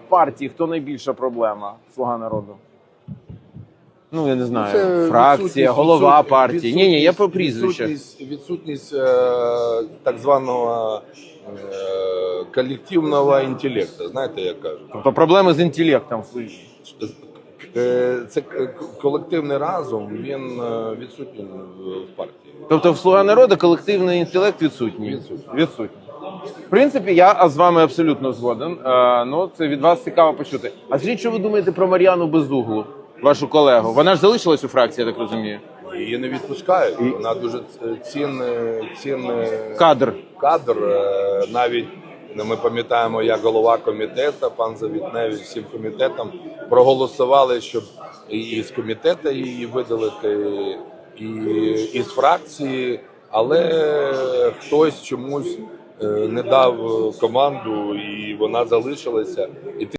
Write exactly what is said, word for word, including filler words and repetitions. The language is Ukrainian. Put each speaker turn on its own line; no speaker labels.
партії хто найбільша проблема «Слуга народу»? Ну, я не знаю,
Це
фракція, голова
відсутність-
партії. Ні, ні, я про прізвище.
Відсутність, відсутність е, так званого е, колективного інтелекту, знаєте, як кажуть.
Тобто проблеми з інтелектом.
Е, Це к- колективний разум, він е, відсутній в партії.
Тобто в «Слуга народу» колективний інтелект відсутній?
Відсутній.
Відсутній. В принципі, я з вами абсолютно згоден. Е, ну, це від вас цікаво почути. А скажіть, що ви думаєте про Мар'яну Безуглу, вашу колегу? Вона ж залишилась у фракції, я так розумію.
Її не відпускають. Вона дуже цінний, цінний
Кадр.
кадр. Е, Навіть ну, ми пам'ятаємо, як голова комітету, пан Завітневич, всім комітетам проголосували, щоб і з комітету її видалити, і із фракції, але хтось чомусь е, не дав команду, і вона залишилася. І